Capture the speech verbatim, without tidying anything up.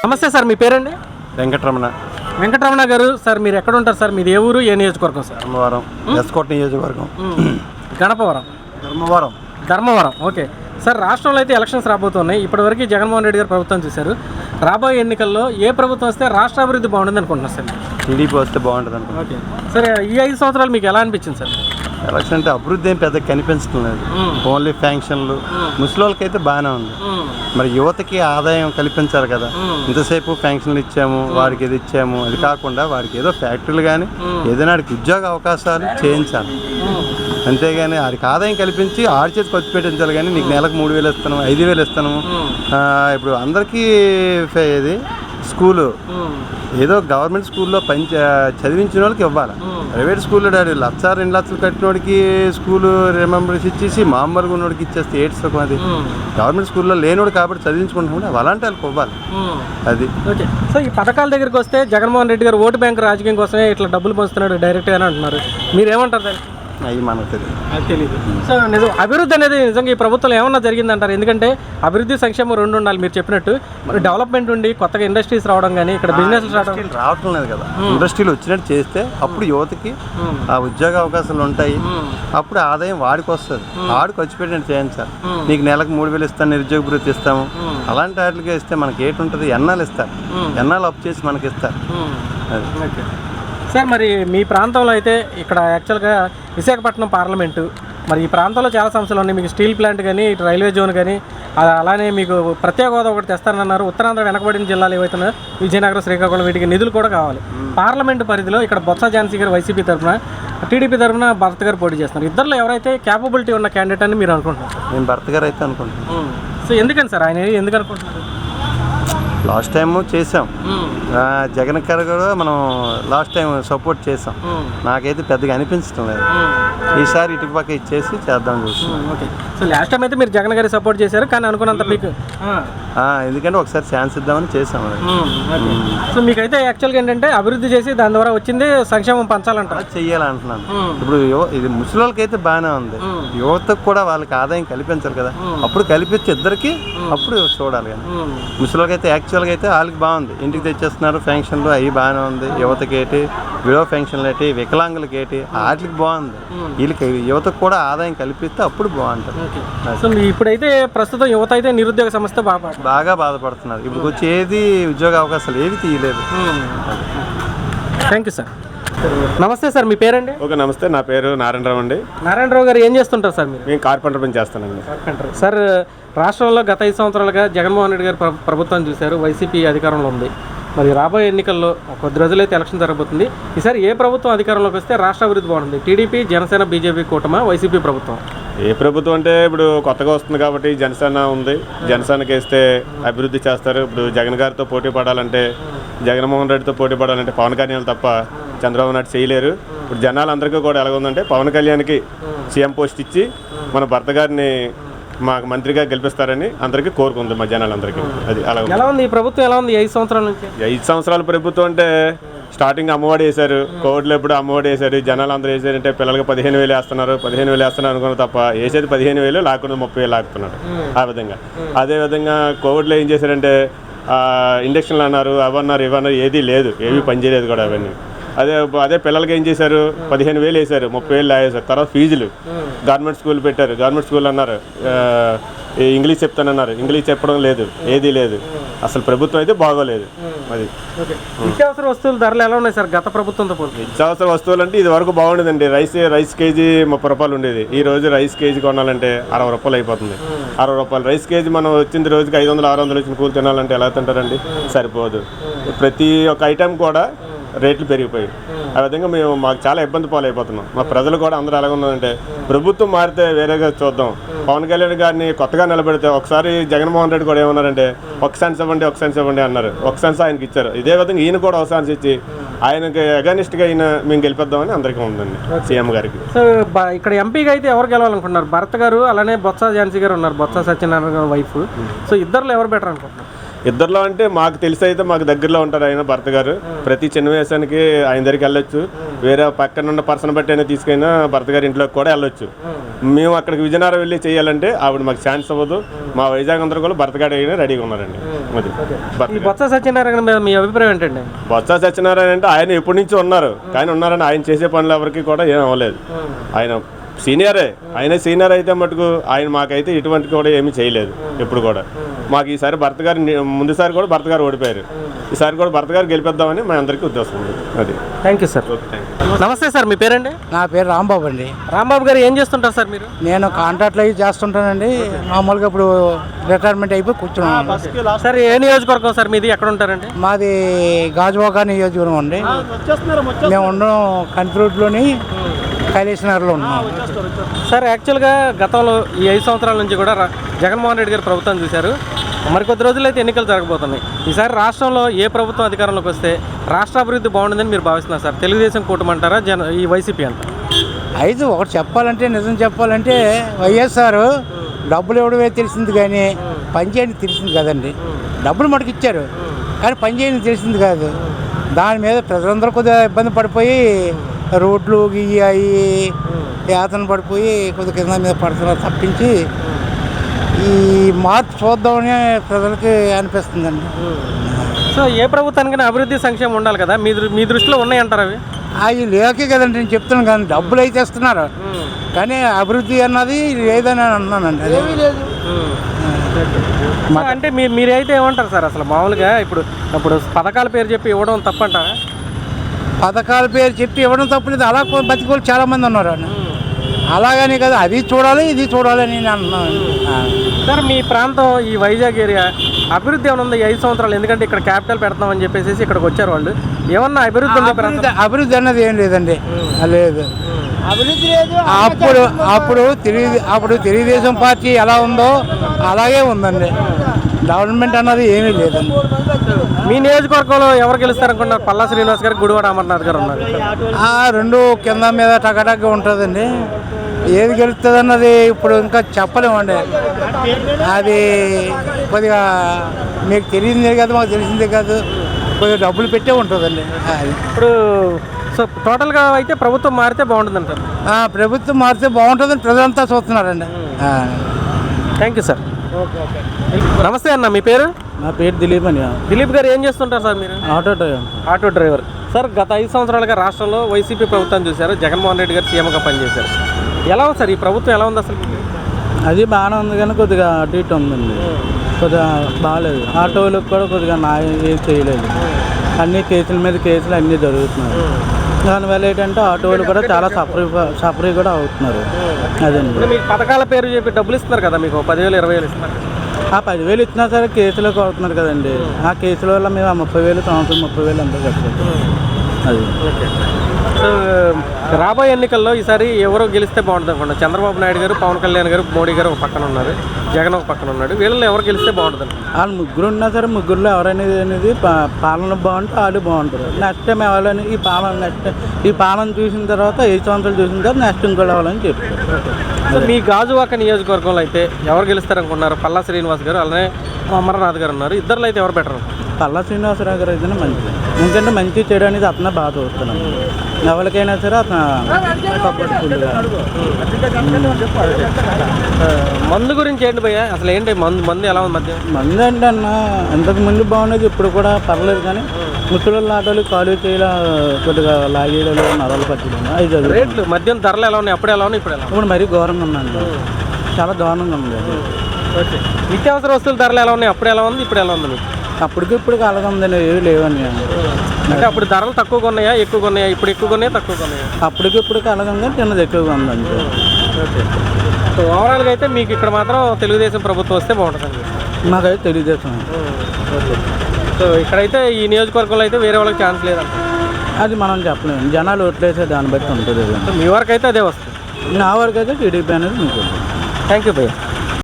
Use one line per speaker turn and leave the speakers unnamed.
నమస్తే సార్, మీ పేరండి?
వెంకటరమణ.
వెంకటరమణ గారు, సార్ మీరు ఎక్కడ ఉంటారు సార్? మీది ఏ ఊరు, ఏ నియోజకవర్గం సార్?
ధర్మవరం, ఎస్కోట నియోజకవర్గం.
గణపవరం,
ధర్మవరం.
ధర్మవరం. ఓకే సార్, రాష్ట్రంలో అయితే ఎలక్షన్స్ రాబోతున్నాయి. ఇప్పటివరకు జగన్మోహన్ రెడ్డి గారు ప్రభుత్వం చూశారు. రాబోయే ఎన్నికల్లో ఏ ప్రభుత్వం వస్తే రాష్ట్ర అభివృద్ధి బాగుంటుంది అనుకుంటున్నారు సార్?
టీడీపీ వస్తే బాగుంటుంది అనుకో.
ఓకే సార్, ఈ ఐదు సంవత్సరాలు మీకు ఎలా అనిపించింది సార్?
ఎలక్షన్ అంటే అభివృద్ధి ఏం పెద్దగా కనిపించడం లేదు. ఓన్లీ ఫ్యాంక్షన్లు. ముసలి వాళ్ళకైతే బాగానే ఉంది. మరి యువతకి ఆదాయం కల్పించాలి కదా. ఇంతసేపు ఫ్యాంక్షన్లు ఇచ్చాము, వాడికి ఇది ఇచ్చాము, అది కాకుండా వాడికి ఏదో ఫ్యాక్టరీలు కానీ ఏదైనా వాడికి ఉద్యోగ అవకాశాలు చేయించాలి. అంతేగాని వాడికి ఆదాయం కల్పించి ఆడి చేతి ఖర్చు పెట్టించాలి. కానీ నీకు నెలకు మూడు వేలు ఇస్తాను, ఐదు వేలు ఇస్తాను. ఇప్పుడు అందరికీ ఇది స్కూలు ఏదో గవర్నమెంట్ స్కూల్లో పని చదివించిన వాళ్ళకి ఇవ్వాలి. ప్రైవేట్ స్కూల్లో డాడీ లక్ష రెండు లక్షలు కట్టినోడికి స్కూలు రిమెంబర్స్ ఇచ్చేసి మామూలుగా ఉన్నోడికి ఇచ్చేస్తే ఏడ్స్ అది. గవర్నమెంట్ స్కూల్లో లేనివాడు కాబట్టి చదివించుకుంటున్నాడు, అలాంటి వాళ్ళకి ఇవ్వాలి. అది
ఓకే. సో ఈ పథకాల దగ్గరికి వస్తే జగన్మోహన్ రెడ్డి గారు ఓటు బ్యాంక్ రాజకీయం కోసమే ఇట్లా డబ్బులు పంచుతున్నాడు డైరెక్ట్గా అని అంటున్నారు. మీరేమంటారు దానికి?
అవి మనకు తెలియదు.
అది తెలియదు. సో నిజం అభివృద్ధి అనేది నిజంగా ఈ ప్రభుత్వంలో ఏమన్నా జరిగిందంటారు? ఎందుకంటే అభివృద్ధి సంక్షేమం రెండు ఉండాలి మీరు చెప్పినట్టు. మరి డెవలప్మెంట్ ఉండి కొత్తగా ఇండస్ట్రీస్ రావడం కానీ ఇక్కడ బిజినెస్
రావటం లేదు కదా. ఇండస్ట్రీలు వచ్చినట్టు చేస్తే అప్పుడు యువతకి ఆ ఉద్యోగ అవకాశాలు ఉంటాయి. అప్పుడు ఆదాయం వాడికి వస్తుంది. వాడు ఖర్చు పెట్టినట్టు చేయించాలి. నీకు నెలకు మూడు వేలు ఇస్తాను, నిరుద్యోగ భృతి ఇస్తాము, అలాంటి వాటికి ఇస్తే మనకి ఏటి ఉంటుంది. ఎన్నాళ్ళు ఇస్తారు, ఎన్నాళ్ళు అప్పు చేసి మనకి ఇస్తారు.
ఓకే సార్, మరి మీ ప్రాంతంలో అయితే ఇక్కడ యాక్చువల్గా విశాఖపట్నం పార్లమెంటు, మరి ఈ ప్రాంతంలో చాలా సమస్యలు ఉన్నాయి. మీకు స్టీల్ ప్లాంట్ కానీ ఇటు రైల్వే జోన్ కానీ అలానే మీకు ప్రత్యేక హోదా ఒకటి తెస్తానన్నారు. ఉత్తరాంధ్ర వెనకబడిన జిల్లాలు ఏవైతున్నాయో విజయనగరం, శ్రీకాకుళం, వీటికి నిధులు కూడా కావాలి. పార్లమెంటు పరిధిలో ఇక్కడ బొత్స ఝాన్సీ గారు వైసీపీ తరఫున, టీడీపీ తరఫున భరత్ గారు పోటీ చేస్తున్నారు. ఇద్దరులో ఎవరైతే క్యాపబిలిటీ ఉన్న క్యాండిడేట్ అని మీరు అనుకుంటున్నారు?
నేను భరత్ గారు అయితే అనుకుంటున్నాను.
సో ఎందుకని సార్ ఆయన ఎందుకు అనుకుంటున్నారు?
లాస్ట్ టైం చేసాం, జగన్ గారు కూడా మనం లాస్ట్ టైం సపోర్ట్ చేసాం. నాకైతే పెద్దగా అనిపించడం లేదు. ఈసారి ఇటుక పక్క ఇచ్చేసి చేద్దాం చూస్తున్నాం.
ఓకే. సో లాస్ట్ టైం అయితే మీరు జగన్ గారికి సపోర్ట్ చేశారు, కానీ అనుకున్నంత మీకు
ఎందుకంటే ఒకసారి ఛాన్స్ ఇద్దామని చేసాం.
సో మీకైతే యాక్చువల్గా ఏంటంటే అభివృద్ధి చేసి దాని ద్వారా వచ్చింది సంక్షేమం పంచాలంటారు.
చెయ్యాలంటున్నాను. ఇప్పుడు ఇది ముసలి వాళ్ళకి అయితే బాగానే ఉంది. యువతకు కూడా వాళ్ళకి ఆదాయం కల్పించాలి కదా. అప్పుడు కల్పించి ఇద్దరికి అప్పుడు చూడాలి. కానీ ముసలి వాళ్ళకి అయితే యాక్చువల్గా అయితే వాళ్ళకి బాగుంది. ఇంటికి తెచ్చేస్తున్నారు ఫ్యాంక్షన్లు, అవి బాగానే ఉంది. యువతకి ఏంటి విడో ఫంక్షన్లు ఏంటి, వికలాంగులకి ఏంటి, వాటికి బాగుంది. వీళ్ళకి యువతకు కూడా ఆదాయం కల్పిస్తే అప్పుడు బాగుంటుంది.
సో ఇప్పుడైతే ప్రస్తుతం యువత అయితే నిరుద్యోగ సమస్య బాగా
బాగా బాధపడుతున్నారు. ఇప్పుడు వచ్చి ఏది ఉద్యోగ అవకాశాలు ఏవి తీయలేదు.
Thank you sir. Namaste sir, మీ పేరండి?
ఓకే నమస్తే, నా పేరు నారాయణరావు అండి.
నారాయణరావు గారు ఏం చేస్తుంటారు సార్ మీరు?
మేము కార్పెంటర్ పని చేస్తానండి.
కార్పెంటర్. సార్ రాష్ట్రంలో గత ఐదు సంవత్సరాలుగా జగన్మోహన్ రెడ్డి గారు ప్రభుత్వం చూశారు, వైసీపీ అధికారంలో ఉంది. మరి రాబోయే ఎన్నికల్లో కొద్ది రోజులైతే ఎలక్షన్ జరగబోతుంది. ఈసారి ఏ ప్రభుత్వం అధికారంలోకి వస్తే రాష్ట్ర అభివృద్ధి బాగుంటుంది? టీడీపీ, జనసేన, బీజేపీ కూటమా, వైసీపీ ప్రభుత్వం?
ఏ ప్రభుత్వం అంటే ఇప్పుడు కొత్తగా వస్తుంది కాబట్టి జనసేన ఉంది. జనసేనకి వేస్తే అభివృద్ధి చేస్తారు. ఇప్పుడు జగన్ గారితో పోటీ పడాలంటే, జగన్మోహన్ రెడ్డితో పోటీ పడాలంటే పవన్ కళ్యాణ్ తప్ప చంద్రబాబు నాయుడు చేయలేరు. ఇప్పుడు జనాలందరికీ కూడా ఎలాగుందంటే పవన్ కళ్యాణ్కి సీఎం పోస్ట్ ఇచ్చి మన భర్త గారిని మాకు మంత్రిగా గెలిపిస్తారని అందరికీ కోరుకుంది మా జనాలందరికీ. అది అలా
ఎలా ఉంది ఈ ప్రభుత్వం? ఎలా ఉంది ఐదు సంవత్సరాల నుంచి?
ఐదు సంవత్సరాల ప్రభుత్వం అంటే స్టార్టింగ్ అమ్మఒడి వేశారు, కోవిడ్లో ఎప్పుడు అమ్మఒడి వేశారు. జనాలు అందరూ వేసారంటే పిల్లలకి పదిహేను వేలు వేస్తున్నారు, పదిహేను వేలు వేస్తున్నారు అనుకున్న తప్ప వేసేది పదిహేను వేలు లాక్కున్న ముప్పై వేలు లాక్కున్నారు. ఆ విధంగా అదేవిధంగా కోవిడ్లో ఏం చేశారంటే ఇండక్షన్లు అన్నారు, అవన్నారు, ఇవన్నారు, ఏదీ లేదు, ఏమీ పనిచేయలేదు కూడా అవన్నీ. అదే అదే పిల్లలకి ఏం చేశారు, పదిహేను వేలు వేశారు, ముప్పై వేలు లాగేశారు. తర్వాత ఫీజులు గవర్నమెంట్ స్కూల్ పెట్టారు, గవర్నమెంట్ స్కూల్ అన్నారు, ఇంగ్లీష్ చెప్తానన్నారు, ఇంగ్లీష్ చెప్పడం లేదు, ఏదీ లేదు. అసలు ప్రభుత్వం అయితే బాగోలేదు. అది
నిత్యావసర వస్తువుల ధరలు ఎలా ఉన్నాయి సార్ గత ప్రభుత్వంతో పోలి?
నిత్యావసర వస్తువులు అంటే ఇది వరకు బాగుండేదండి. రైస్ రైస్ కేజీ ముప్పై రూపాయలు ఉండేది. ఈ రోజు రైస్ కేజీ కొనాలంటే అరవై రూపాయలు అయిపోతుంది. అరవై రూపాయలు రైస్ కేజీ మనం వచ్చింది రోజుకి ఐదు వందలు ఆరు వందలు వచ్చిన కూలి తినాలంటే ఎలా తింటారండి? సరిపోదు. ప్రతి ఒక్క ఐటెం కూడా రేట్లు పెరిగిపోయాయి. ఆ విధంగా మేము మాకు చాలా ఇబ్బంది పాలైపోతున్నాం. మా ప్రజలు కూడా అందరూ ఎలా ఉన్నారంటే ప్రభుత్వం మారితే వేరేగా చూద్దాం. పవన్ కళ్యాణ్ గారిని కొత్తగా నిలబెడితే ఒకసారి జగన్మోహన్ రెడ్డి కూడా ఏమన్నారంటే ఒక సెన్స్ ఇవ్వండి, ఒక సెన్స్ ఇవ్వండి అన్నారు. ఒక సెన్స్ ఆయనకి ఇచ్చారు. ఇదే విధంగా ఈయన కూడా ఒక సెన్స్ ఇచ్చి ఆయనకి అగనిస్ట్గా ఈయన మేము గెలిపిద్దామని అందరికీ ఉందండి సీఎం గారికి.
సో ఇక్కడ ఎంపీగా అయితే ఎవరు గెలవాలనుకుంటున్నారు? భరత్ గారు అలానే బొత్స ఝాన్సీ గారు ఉన్నారు, బొత్స సత్యనారాయణ గారు వైఫ్. సో ఇద్దరులో ఎవరు బెటర్ అనుకుంటున్నారు?
ఇద్దరిలో అంటే మాకు తెలిసి అయితే మాకు దగ్గరలో ఉంటారు ఆయన భర్త గారు. ప్రతి చిన్న వేసానికి ఆయన దగ్గరికి వెళ్ళొచ్చు. వేరే పక్కన ఉన్న పర్సన్ బట్టి అయినా తీసుకైనా భర్త గారి ఇంట్లోకి కూడా వెళ్ళొచ్చు. మేము అక్కడికి విజయనగరం వెళ్ళి చేయాలంటే ఆవిడ మాకు ఛాన్స్ అవ్వదు. మా వైజాగ్ అందరూ కూడా భర్త గారు అయినా రెడీగా ఉన్నారండి. అది
ఈ బొత్స సత్యనారాయణ మీద మీ అభిప్రాయం ఏంటండి?
బొత్స సత్యనారాయణ అంటే ఆయన ఎప్పటి నుంచి ఉన్నారు, కానీ ఉన్నారని ఆయన చేసే పనులు ఎవరికి కూడా ఏం అవ్వలేదు. ఆయన సీనియరే, ఆయన సీనియర్ అయితే మటుకు ఆయన మాకైతే ఎటువంటి కూడా ఏమీ చేయలేదు ఎప్పుడు కూడా. మాకు ఈసారి భర్త గారు ముందుసారి కూడా భర్త గారు ఓడిపోయారు, ఈసారి కూడా భర్త గారు గెలిపిద్దామని మా అందరికీ ఉద్దేశం ఉంది. అది
thank you sir. Namaste sir, మీ పేరండి?
నా పేరు రాంబాబు అండి.
రాంబాబు గారు ఏం చేస్తుంటారు సార్ మీరు?
నేను కాంట్రాక్ట్లు అవి చేస్తుంటానండి. మామూలుగా ఇప్పుడు రిటైర్మెంట్ అయిపోయి కూర్చున్నాను.
సార్ ఏ నియోజకవర్గం సార్ మీది, ఎక్కడ ఉంటారండి?
మాది గాజువాక నియోజకవర్గం అండి. మేము ఉండడం కంట్రోట్లోని కైలేష్ నగర్లో ఉన్నాం.
సార్ యాక్చువల్గా గతంలో ఈ ఐదు సంవత్సరాల నుంచి కూడా రా- జగన్మోహన్ రెడ్డి గారు ప్రభుత్వం చూశారు. మరికొద్ది రోజుల్లో అయితే ఎన్నికలు జరగబోతున్నాయి. ఈసారి రాష్ట్రంలో ఏ ప్రభుత్వం అధికారంలోకి వస్తే రాష్ట్ర అభివృద్ధి బాగుంటుందని మీరు భావిస్తున్నారు సార్? తెలుగుదేశం కూటమంటారా, జన ఈ వైసీపీ అంటారా?
అయితే ఒకటి చెప్పాలంటే, నిజం చెప్పాలంటే వైఎస్ఆర్ డబ్బులు ఇవ్వడమే తెలిసింది కానీ పనిచేయని తెలిసింది కదండి. డబ్బులు మటుకు ఇచ్చారు కానీ పనిచేయని తెలిసింది కాదు. దాని మీద ప్రజలందరూ కొద్దిగా ఇబ్బంది పడిపోయి రోడ్లు గీయాయి యాతన పడిపోయి కొద్దిగా కింద మీద పడుతున్నారు తప్పించి ఈ మార్పు చూద్దామని ప్రజలకి అనిపిస్తుందండి.
సో ఏ ప్రభుత్వానికైనా అభివృద్ధి సంక్షేమం ఉండాలి కదా, మీ దృ- మీ దృష్టిలో ఉన్నాయంటారు అవి?
అవి లేకే కదండి నేను చెప్తున్నాను. కానీ డబ్బులు అయితే ఇస్తున్నారు కానీ అభివృద్ధి అన్నది లేదని అన్నానండి. అదేమీ లేదు.
సో అంటే మీరు మీరైతే ఏమంటారు సార్ అసలు మామూలుగా ఇప్పుడు ఇప్పుడు పథకాల పేరు చెప్పి ఇవ్వడం తప్పంటారా?
పథకాల పేరు చెప్పి ఇవ్వడం తప్పలేదు. అలా కొ- బతికోళ్ళు చాలామంది ఉన్నారు అండి. అలాగని కదా అది చూడాలి ఇది చూడాలి అని నేను అంటున్నాను.
సార్ మీ ప్రాంతం ఈ వైజాగ్ ఏరియా అభివృద్ధి ఏమైనా ఉంది ఈ ఐదు సంవత్సరాలు? ఎందుకంటే ఇక్కడ క్యాపిటల్ పెడతామని చెప్పేసి ఇక్కడికి వచ్చారు వాళ్ళు. ఏమన్నా అభివృద్ధి ఉంది ప్రాంతం?
అభివృద్ధి అభివృద్ధి అన్నది ఏం లేదండి. లేదు అభివృద్ధి లేదు. అప్పుడు అప్పుడు తెలుగు అప్పుడు తెలుగుదేశం పార్టీ ఎలా ఉందో అలాగే ఉందండి. డెవలప్మెంట్ అన్నది ఏమీ లేదండి.
మీ నియోజకవర్గంలో ఎవరు గెలుస్తారనుకున్నారు? పల్లా శ్రీనివాస్ గారు, గుడివాడ అమర్నాథ్ గారు ఉన్నారు.
ఆ రెండు కింద మీద టకటక్గా ఉంటుందండి. ఏది గెలుస్తుంది అన్నది ఇప్పుడు ఇంకా చెప్పలేమండి. అది కొద్దిగా మీకు తెలిసిందే కాదు, మాకు తెలిసిందే కాదు, కొద్దిగా డబ్బులు పెట్టే ఉంటుందండి. అది
ఇప్పుడు సో టోటల్గా అయితే ప్రభుత్వం మారితే బాగుంటుంది అంటారు.
ఆ, ప్రభుత్వం మారితే బాగుంటుందని ప్రజలంతా చూస్తున్నారండి.
Thank you sir. నమస్తే అన్న, మీ పేరు?
నా పేరు దిలీప్ అని.
దిలీప్ గారు ఏం చేస్తుంటారు సార్ మీరు?
Auto driver.
Auto driver. Sir గత ఐదు సంవత్సరాలుగా రాష్ట్రంలో వైసీపీ ప్రభుత్వం చూశారు, జగన్మోహన్ రెడ్డి గారు సీఎంగా పనిచేశారు. ఎలా ఉంది సార్ ఈ ప్రభుత్వం, ఎలా ఉంది అసలు?
అది బాగానే ఉంది కానీ కొద్దిగా అటు ఇటు ఉందండి. కొద్దిగా బాగాలేదు. ఆటోలకు కూడా కొద్దిగా న్యాయం ఏం చేయలేదు. అన్ని కేసుల మీద కేసులు అన్నీ జరుగుతున్నాయి. దానివల్ల ఏంటంటే ఆటోలు కూడా చాలా సఫరీ సఫరీ కూడా అవుతున్నారు. అదండి.
ఇప్పుడు మీకు పథకాల పేరు చెప్పి డబ్బులు ఇస్తున్నారు కదా, మీకు పదివేలు ఇరవై వేలు ఇస్తున్నారు.
ఆ పదివేలు ఇచ్చినా సరే కేసులకు అవుతున్నారు కదండి. ఆ కేసుల వల్ల మేము ఆ ముప్పై వేలు సంవత్సరం ముప్పై వేలు అంతా కట్టాలి. అది
సో రాబోయే ఎన్నికల్లో ఈసారి ఎవరో గెలిస్తే బాగుంటుంది అనుకోండి. చంద్రబాబు నాయుడు గారు, పవన్ కళ్యాణ్ గారు, మోడీ గారు ఒక పక్కన ఉన్నారు, జగన్ ఒక పక్కన ఉన్నాడు. వీళ్ళలో ఎవరు గెలిస్తే బాగుంటుంది?
వాళ్ళు ముగ్గురు ఉన్నా సరే ముగ్గురులో ఎవరనేది అనేది పా- పాలన బాగుంటే వాళ్ళు బాగుంటారు. నెక్స్ట్ టైం ఎవరైనా ఈ పాలన నెక్స్ట్ ఈ పాలన చూసిన తర్వాత ఐదు సంవత్సరాలు చూసిన తర్వాత నెక్స్ట్ ఇంకోటి అవ్వాలని చెప్తారు.
సో మీ గాజువాక నియోజకవర్గంలో అయితే ఎవరు గెలుస్తారనుకున్నారు? పల్లా శ్రీనివాస్ గారు, అలానే అమర్నాథ్ గారు ఉన్నారు. ఇద్దరులో అయితే ఎవరు బెటర్?
పల్లా శ్రీనివాసరావు గారు అయితేనే మంచిది. ఎందుకంటే మంచి చెడు అనేది అతనే బాగా చూస్తున్నాను. ఎవరికైనా సరే అతను సపోర్ట్ ఫుల్గా.
మందు గురించి ఏంటి భయ్య అసలు? ఏంటి మందు మందు ఎలా ఉంది మధ్య?
మంది అంటే అన్న ఇంతకు ముందు బాగున్నది, ఇప్పుడు కూడా పర్లేదు. కానీ ముసలి ఆటోలు కాలు చేయాల కొద్దిగా లాగేయడాలు నరాలు పట్టడం అది జరుగుతుంది.
రేట్లు మద్యం ధరలు ఎలా ఉన్నాయి? అప్పుడు ఎలా ఉన్నాయి, ఇప్పుడు ఎలా ఉన్నాయి?
ఇప్పుడు మరీ ఘోరంగా ఉందండి. చాలా దారుణంగా ఉంది.
ఓకే. నిత్యావసర వస్తువుల ధరలు ఎలా ఉన్నాయి? అప్పుడు ఎలా ఉంది, ఇప్పుడు ఎలా ఉంది మీకు?
అప్పటికి ఇప్పుడు అలాగే ఉందండి. ఏవి లేవని
అంటే అప్పుడు ధరలు తక్కువగా ఉన్నాయా, ఎక్కువగా ఉన్నాయా? ఇప్పుడు ఎక్కువగా ఉన్నాయా, తక్కువగా ఉన్నాయా?
అప్పటికి ఇప్పుడు అలాగే ఉంది, చిన్నది ఎక్కువగా ఉందండి.
ఓకే. సో ఓవరాల్గా అయితే మీకు ఇక్కడ మాత్రం తెలుగుదేశం ప్రభుత్వం వస్తే బాగుంటుందండి.
మాకైతే తెలియజేస్తాం.
ఓకే. సో ఇక్కడైతే ఈ నియోజకవర్గంలో అయితే వేరే వాళ్ళకి ఛాన్స్ లేదంట.
అది మనం చెప్పలేము. జనాలు ఓట్లేసే దాన్ని బట్టి ఉంటుంది.
సో మీ వరకు అయితే అదే వస్తుంది.
నా వరకు అయితే టీడీపీ అనేది మీకు.
థ్యాంక్ యూ భయ్య.